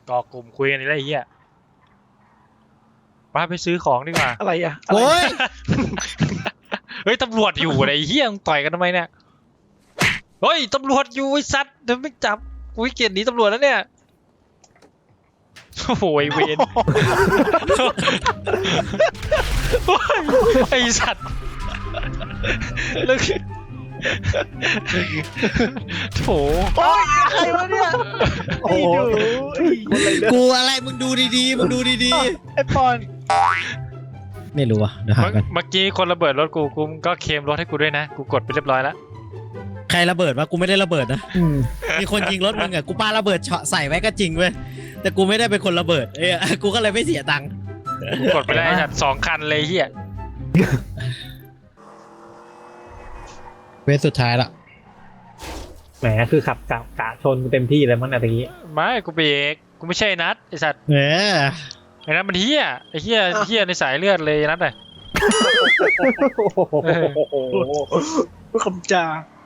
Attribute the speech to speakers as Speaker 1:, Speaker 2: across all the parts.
Speaker 1: ก่อกลุ่มคุยกันอะไรเงี้ยป้าไปซื้อของดีกว่า
Speaker 2: อะไรอ่ะ
Speaker 3: โอ้ย
Speaker 1: เฮ้ยตำรวจอยู่ไอ้เหี้ยต่อยกันทำไมเนี่ยเฮ้ยตำรวจอยู่ไอ้สัตว์เดี๋ยวไม่จับกูเกลียดหนีตำรวจแล้วเนี่ยโอ้โหเวรไอ้สัตว์แล้วโถ
Speaker 2: โอ้ยใครวะเนี่ยโอ้โหคนอะไรเนี่ย
Speaker 3: กูอะไรมึงดูดีๆมึงดูดี
Speaker 2: ไอ้ปอน
Speaker 3: ๆไม่รู้อ่ะเดี๋ยวหากัน
Speaker 1: เมื่อกี้คนระเบิดรถกูก็เคลมรถให้กูด้วยนะกูกดไปเรียบร้อยแล้ว
Speaker 3: ใครระเบิดวะกูไม่ได้ระเบิดนะมีคนยิงรถมึงอ่ะกูปาระเบิดเฉาะใส่ไว้ก็จริงเว้ยแต่กูไม่ได้เป็นคนระเบิดกูก็เลยไม่เสียตังค์
Speaker 1: กูกดไปได้จัด2 คันเลยเฮีย
Speaker 3: เวสสุดท้ายละ
Speaker 4: แหมคือขับกะชนเต็มที่เลยมั้งนะตะกี้
Speaker 1: ไม่กูเบรกกูไม่ใช่นัดไอสัตว์ ไอ้นัทมันเฮียไอ้เฮียในสายเลือดเลยนัทอ่ะ
Speaker 2: ผู้คำจา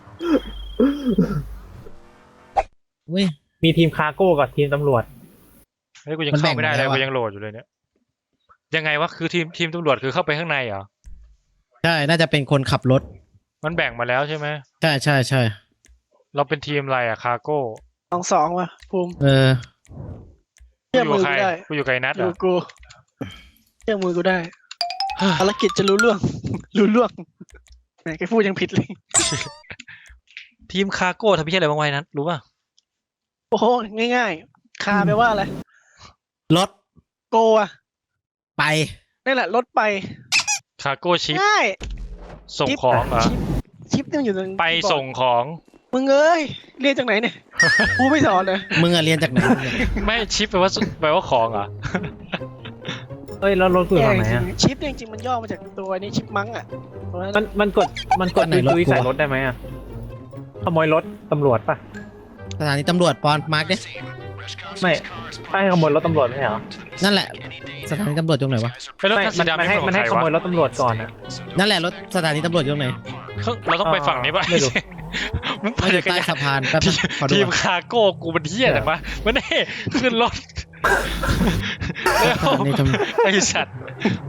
Speaker 3: เว้ย
Speaker 4: มีทีมคาร์โก้กับทีมตำรวจ
Speaker 1: เฮ้ยกูยังเข้าไม่ได้เลยกูยังโหลดอยู่เลยเนี่ยยังไงวะคือทีมตำรวจคือเข้าไปข้างในเหรอ
Speaker 3: ใช่น่าจะเป็นคนขับรถ
Speaker 1: มันแบ่งมาแล้วใช่ไหม
Speaker 3: ใช่ใช่ใช่
Speaker 1: เราเป็นทีมอะไรอะคาร์โก้
Speaker 2: 2-2ว่ะภูมิ
Speaker 1: กู
Speaker 2: เชื่อ
Speaker 1: อยู่
Speaker 2: มือ
Speaker 1: ใคร
Speaker 2: กูได้
Speaker 1: กูอยู่กับไอ้นัท
Speaker 2: อ
Speaker 1: เหร
Speaker 2: ยู่
Speaker 1: อ
Speaker 2: กูเชื่อมือกูได้ภารกิจจะรู้เรื่อง รู้เรื่องแหมแกพูดยังผิดเลย
Speaker 1: ทีมคาร์โก้ทำพี่อะไรบ้างไว้นัทรู้ป่ะ
Speaker 2: โอ้โหง่ายๆคาแปลว่าอะไร
Speaker 3: รถ
Speaker 2: โกอะ
Speaker 3: ไป
Speaker 2: นี่แหละรถไป
Speaker 1: คาร์โก้ชิป
Speaker 2: ง่าย
Speaker 1: ส่งของเหรอ
Speaker 2: ชิปเนี่ยอยู่ตรง
Speaker 1: ไปส่งของ
Speaker 2: มึงเอ้ยเรียนจากไหนเนี่ยกูไม่สอนเลย
Speaker 3: มึงอะเรียนจากไหนเนี่ย
Speaker 1: ไม่ชิปแปลว่าของเหรอ
Speaker 4: เอ้ยแล้วรถกูอยู่ตรงไหนอ่ะ
Speaker 2: ชิปเนี่ยจริงๆมันย่อมาจากตัวนี้ชิปมังอ่ะตัวนั้น
Speaker 4: มันกดดุยใส่รถได้ไหมอ่ะขโมยรถตำรวจป่ะ
Speaker 3: สถานีตำรวจปอนมาร์กดิ
Speaker 4: ไม่ให้ขโมยรถตำรวจไม่ใช่เหรอ
Speaker 3: นั่นแหละ สถานีตำรวจตรงไหนวะ
Speaker 1: ไอ้รถ
Speaker 4: ไม่
Speaker 1: คันสีดำ
Speaker 4: มัน
Speaker 1: นี่
Speaker 4: ให้
Speaker 1: เป็นข
Speaker 4: มั
Speaker 1: อน ง
Speaker 4: ให้
Speaker 1: ใคร
Speaker 4: ขโม
Speaker 1: วะ
Speaker 4: ยรถตำรวจก่อนอ่ะ
Speaker 3: นั่นแหละรถสถานีตำรวจอยู่ตรงไหน
Speaker 1: เราต้องไปฝั่งนี้ป่ะ
Speaker 4: ไม่รู้
Speaker 1: มึง
Speaker 3: มัน
Speaker 1: ไป
Speaker 3: อยู่
Speaker 1: จักร
Speaker 3: ใต้
Speaker 1: ยาน
Speaker 3: สะพานแป๊บนึงขอดู
Speaker 1: ทีม
Speaker 3: ก่อน
Speaker 1: คาร์โก้กูมันเที่ยแต่มามันนี่ขึ้นรถเร็ว
Speaker 3: สถานีตำรวจ
Speaker 1: ไอสัตว์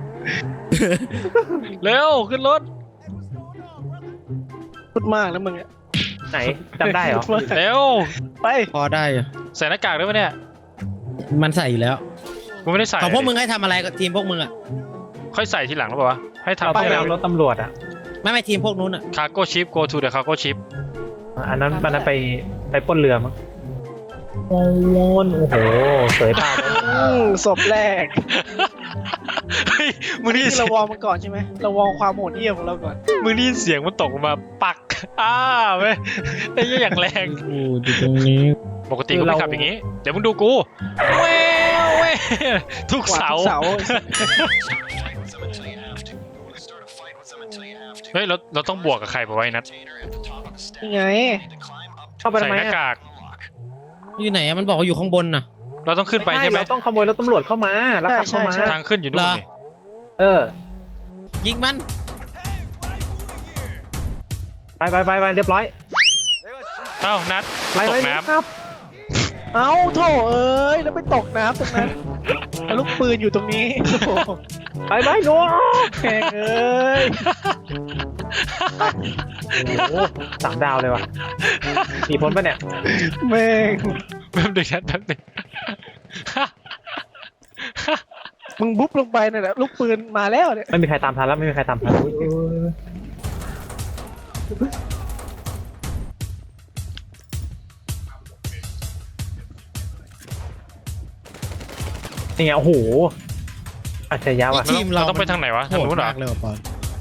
Speaker 1: เร็วขึ้นรถ
Speaker 2: พูดมากแล้วมึงอ่ะ
Speaker 4: ไหนจำได้เหรอ
Speaker 2: พูมาก
Speaker 1: เร็ว
Speaker 2: ไป
Speaker 3: พอได้อยู่
Speaker 1: ใส่หน้ากากด้วยปะเนี่ย
Speaker 3: มันใส่อยู่แล้ว
Speaker 1: กูไม่ได้ใส่
Speaker 3: ของพวกมึงให้ทำอะไรกับทีมพวกมึงอ่ะ
Speaker 1: ค่อยใส่ทีหลังหรือเปล่าวะให้
Speaker 4: เรา
Speaker 1: ทำ
Speaker 4: ต้อง
Speaker 1: ให้
Speaker 4: ไปเอารถตำรวจอ่ะ
Speaker 3: ไม่ทีมพวกนู้นอ่ะ
Speaker 1: คาร์โก้ชิป go to the cargo ship
Speaker 4: อันนั้นไปปล้นเรือมั้งโอ้โหโอ้โหเสยตาเลย
Speaker 2: ศพแรก
Speaker 1: เฮ้ยมึงได้ยิน
Speaker 2: ที่
Speaker 1: เสี
Speaker 2: เรา
Speaker 1: ยง
Speaker 2: วอร์มมันก่อนใช่ไหมเราวอร์มความโหดเหี้ยมของเราก่อน
Speaker 1: มึงได้ยินเสียงมันตกลงมาปักเว้ยไอ้เหี้ยอย่างแรง
Speaker 3: โอ้อยู่ตรงนี้
Speaker 1: ปกติกูไม่ขับอย่างงี้ เดี๋ยวมึงดูกูเว้ยเว้ยทุก
Speaker 2: กวาด
Speaker 1: เสา
Speaker 2: ทุกเสา
Speaker 1: เฮ้ยเราต้องบวกกับใครไปไว้นัด
Speaker 2: ยังไง
Speaker 4: เข้าไปทำ
Speaker 1: ใส่
Speaker 4: ไม
Speaker 1: หน้า
Speaker 4: อ่ะ
Speaker 1: กาก
Speaker 3: อยู่ไหนอะมันบอกว่าอยู่ข้างบนน่ะ
Speaker 1: เราต้องขึ้นไปใช่ไหม
Speaker 4: เราต้องขโมยรถตำรวจเข้ามาแล้วขับเข้ามา
Speaker 1: ทางขึ้นอยู่นู่นนี่
Speaker 4: เออ
Speaker 3: ยิงมัน
Speaker 4: ไปเรียบร้อย
Speaker 1: เอ้านัด
Speaker 4: ไป
Speaker 1: ต
Speaker 4: ไป
Speaker 1: กน้
Speaker 4: ครับ
Speaker 2: เอ้าโถเอ้ยแล้วไปตกน้ำตรงนั้นแล้วลูกปืนอยู่ตรงนี้โอ้โห
Speaker 4: ไปหนู
Speaker 2: แพงเอ้ย
Speaker 4: โอ้โห3 ดาวเลยว่ะมีพ้นปะเนี่ย
Speaker 2: แม่ง
Speaker 1: ำแป๊บนึงนัดแป๊บนึง
Speaker 2: มึงบุ๊บลงไปนั่นแหละลูกปืนมาแล้วเนี่ย
Speaker 4: ไม่มีใครตามทันแล้วไม่มีใครตามทันนี่ไงโอ้โหอัจฉริยะว่ะ
Speaker 3: ทีมเรา
Speaker 1: ต้องไปทางไหนวะ
Speaker 3: โห
Speaker 1: ทาง
Speaker 3: ด
Speaker 1: นู้นเหรอ
Speaker 3: มากเลยว่ะปอน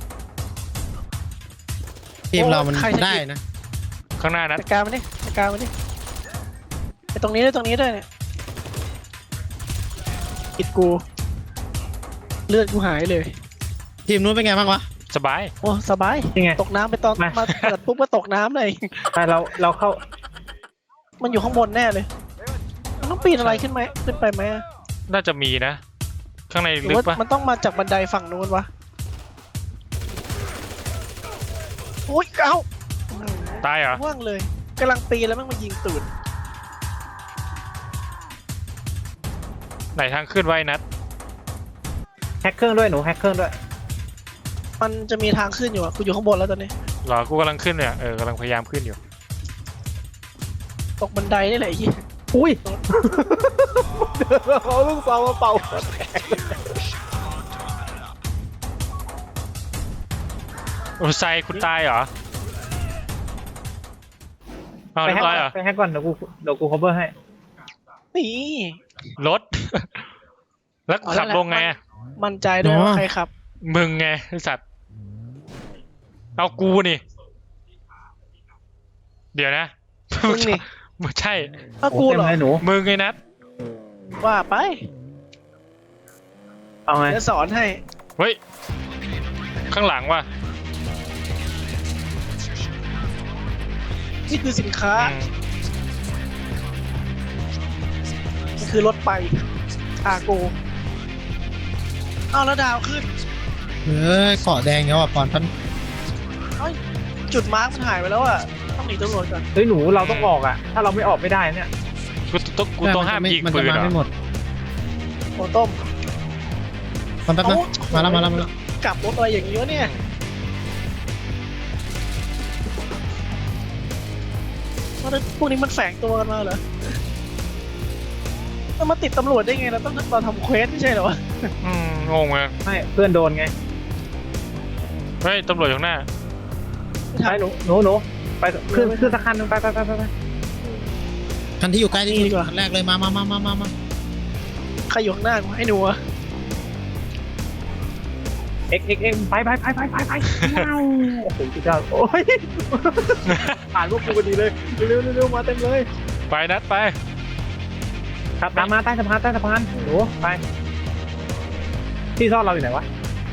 Speaker 3: ทีมเรามันได้นะ
Speaker 1: ข้างหน้านัด
Speaker 2: จัดการมันดิจัดการมันดิไอตรงนี้ด้วยตรงนี้ด้วยเนี่ยกิดกู เลือดกูหายเลย
Speaker 3: ทีมนู้นเป็นไงบ้างวะ
Speaker 1: สบาย
Speaker 2: โอ้สบาย
Speaker 4: นี่ไง
Speaker 2: ตกน้ำไปตอน
Speaker 4: มา
Speaker 2: มาเปิดปุ๊บก็ตกน้ำเลย
Speaker 4: ไปเราเข้า
Speaker 2: มันอยู่ข้างบนแน่เลยมันต้องปีนอะไรขึ้นไหมขึ้นไปไหมอะ
Speaker 1: น่าจะมีนะ ข้างใน
Speaker 2: หรือ
Speaker 1: ลึก
Speaker 2: ว่า
Speaker 1: ปะ
Speaker 2: มันต้องมาจากบันไดฝั่งนู้นวะโอ้ยเอ้า
Speaker 1: ตายเหรอ
Speaker 2: ว่างเลยกำลังปีนแล้วแม่งมายิงตูด
Speaker 1: ไหนทางขึ้นไว้นัด
Speaker 4: แฮกเครื่องด้วยหนูแฮกเครื่องด้วย
Speaker 2: มันจะมีทางขึ้นอยู่อะกูอยู่ข้างบนแล้วตอนนี้
Speaker 1: หรอกูกำลังขึ้นเนี่ยกำลังพยายามขึ้นอยู่
Speaker 2: ตกบันไดนี่แหละไอ้เหี้ย
Speaker 4: อุ้ยเอาลูกซองมาเป่า
Speaker 1: โอ้ไซคุณตายเหรอเอา
Speaker 4: ไป
Speaker 1: เรีย
Speaker 4: แฮก
Speaker 1: บร้อยเหรอ
Speaker 4: ไปแฮกก่อนเดี๋ยวกู cover ให้
Speaker 2: นี่
Speaker 1: รถ แล้วกูขับลงไงอะ
Speaker 2: มั่นใจด้วยว่าใครขับ
Speaker 1: มึงไงไอสัตว์เอากูนี่ เดี๋ยวนะ
Speaker 2: มึงนี่
Speaker 1: ไม่ใช่
Speaker 2: ถ้ากูเหรอ
Speaker 4: ต็มเลยหนู
Speaker 1: มึงไงนัด
Speaker 2: ว่าไป
Speaker 4: เอาไง
Speaker 2: เดี๋ยวสอนให้
Speaker 1: เฮ้ยข้างหลังว่ะ
Speaker 2: นี่คือสินค้า
Speaker 1: อืม
Speaker 2: นี่คือรถไปคาโกเอาแล้วดาวขึ้น
Speaker 3: เกาะแดงเนี่ยว่ะปอนพัน
Speaker 2: เอ้ยจุดมาร์กมันหายไปแล้วอะต้องหนีตำรวจก่อน
Speaker 4: เฮ้ยหนูเราต้องออกอ่ะ ถ้าเราไม่ออกไม่ได้เนี่ย
Speaker 1: กูต้องห้ามยิง
Speaker 3: มัน
Speaker 1: ปื
Speaker 3: จะ
Speaker 1: น
Speaker 3: มา
Speaker 1: เหรอ
Speaker 3: ไม่หมด
Speaker 2: โอ้ต้ม
Speaker 3: มันแป๊บนะ
Speaker 2: เอ้
Speaker 3: มาแล้ว
Speaker 2: กลับรถอะไรอย่างนี้วะเนี่ยว่าพวกนี้มันแฝงตัวกันมาเหรอมันมาติดตำรวจได้ไงเราต้องเราทำเควสไม่ใช่เหรอวะ
Speaker 1: งงเลย
Speaker 4: ไม่เพื่อนโดนไง
Speaker 1: เฮ้ยตำรวจอยู่ข้างหน้า
Speaker 2: ไม่
Speaker 4: ไป
Speaker 2: ทัน
Speaker 4: หนูไปขึ้นสักคันหนึงไป
Speaker 3: คันที่อยู่ใกล้ที่สุ
Speaker 2: นี่ดี
Speaker 3: ด
Speaker 2: กว่า
Speaker 3: คันแรกเลยมา
Speaker 2: ใครอยู่ข้างหน้ากูให้หนูอะ
Speaker 4: เอ็กไปว้าวโอ้โหสุดยอดโอ้ยผ่านพวกกูพอดีเลยเร็วมาเต็มเลย
Speaker 1: ไปนัดไป
Speaker 4: ครับตามมาใต้สะพานหนูไปที่ซ่อนเราอยู่ไหนวะ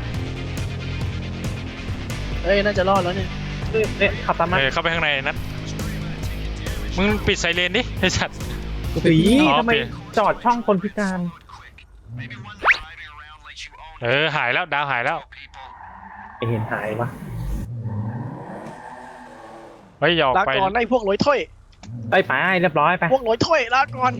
Speaker 2: เอ้ยน่าจะรอดแล้วเนี่ย
Speaker 4: เนี่ยขับตามมา
Speaker 1: เข้าไปข้างในนัดมึงปิดไซเรนดิไอสัตว์
Speaker 3: กูเป็น
Speaker 4: สี
Speaker 3: พี่
Speaker 1: อ๋อ
Speaker 4: ทำไม
Speaker 1: เปลี่ยน
Speaker 4: จอดช่องคนพิการ
Speaker 1: หายแล้วดาวหายแล้ว
Speaker 4: ไม่เห็นหายวะ
Speaker 1: เฮ้ยอย่าออก
Speaker 2: ลา
Speaker 1: ไป
Speaker 2: ก่อนไอ้พวกลอยถ้วย
Speaker 4: ไปเรียบร้อยไป
Speaker 2: พวกลอยถ้วยลาก่อน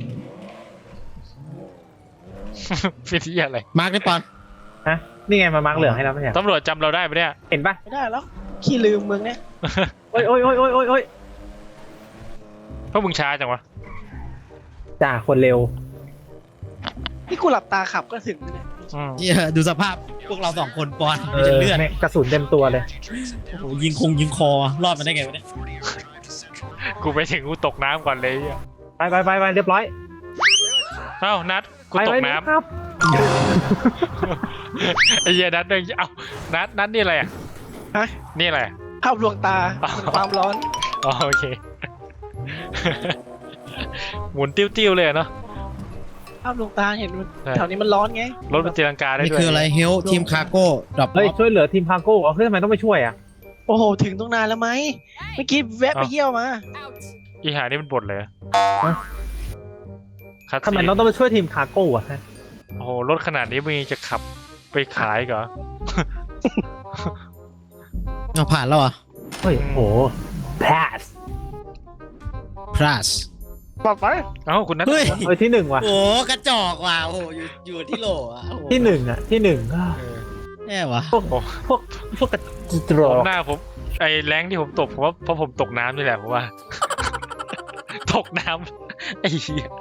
Speaker 1: พิธีอะไร
Speaker 3: มาร์กได้ปอน
Speaker 4: ฮะนี่ไงมามาร์กเหลืองให้เราไม่ใช่
Speaker 1: ตำรวจจำเราได้ปะเนี่ย
Speaker 4: เห็นปะ
Speaker 2: ไม่ได้แล้วขี้ลืมมึงเนี่ย
Speaker 4: โอ้ย
Speaker 1: เพราะมึงช้าจังวะ
Speaker 4: จ่าคนเร็ว
Speaker 2: นี่กูหลับตาขับก็ถึงแล้วเนี่ย
Speaker 3: เหี้ยดูสภาพพวกเราสองคนปอนมีแต่เลือด
Speaker 4: นี่ยกระสุนเต็มตัวเลย
Speaker 3: โอ้โหยิงคอรอดมาได้ไงวะเนี่ย
Speaker 1: กูไปถึงกูตกน้ำก่อนเลยไอ่ะ
Speaker 4: ไปเรียบร้อย
Speaker 1: เอ้านัดกูตกน้ำ
Speaker 4: ครับ
Speaker 1: ไอ้เหี้ยนัดเดินเอ้านัดนี่อะไรอ่ะ
Speaker 2: ฮะ
Speaker 1: นี่อะไรอะ
Speaker 2: ภาพลวงตา
Speaker 1: อ๋อ
Speaker 2: ความร้อน
Speaker 1: อ๋อโอเค หมุนติ้วๆเลยอะเนาะ
Speaker 2: ภาพลวงตาเห็นมัน
Speaker 1: ใช่
Speaker 2: แถวนี้มันร้อนไง
Speaker 1: รถมันตีลังกาได้
Speaker 3: นี่
Speaker 1: ด้วย
Speaker 3: คืออะไรเฮลทีมคาร์โก้ดรอป
Speaker 4: เฮ้ยช่วยเหลือทีมพาโก้เฮ้ยทำไมต้องไปช่วยอ่ะ
Speaker 2: โอ้โหถึงตรงนานแล้วไหมเมื่อกี้แวะไปเยี่ยวมา
Speaker 1: อีหานี่มันบดเลยคัด
Speaker 4: ทำไม
Speaker 1: ซีน
Speaker 4: เราต้องไปช่วยทีมคาโก้อ่ะฮะ
Speaker 1: โอ้โหรถขนาดนี้มึงยังจะขับไปขายเหรอ
Speaker 3: เอาผ่านแล้วเหรอ่ะ
Speaker 4: เฮ้ยโห pass
Speaker 3: พลัส
Speaker 2: ปลอดภัย
Speaker 1: เอ้าคุณนัท
Speaker 3: เฮ้ย
Speaker 4: เฮ้ยที่หนึ่งว่ะ
Speaker 3: โอ้กระจอกว่ะโอ้โหอยู่ที่โหลอ่ะโอ้โห
Speaker 4: ที่หนึ่งอ่ะที่หนึ่ง
Speaker 1: เออ
Speaker 3: แย่วะ
Speaker 4: พวกกระจรอ
Speaker 1: ผมหน้าผมไอ้แรงที่ผมตกเพราะผมตกน้ำนี่แหละผมว่า ตกน้ำไอ้เหี้ย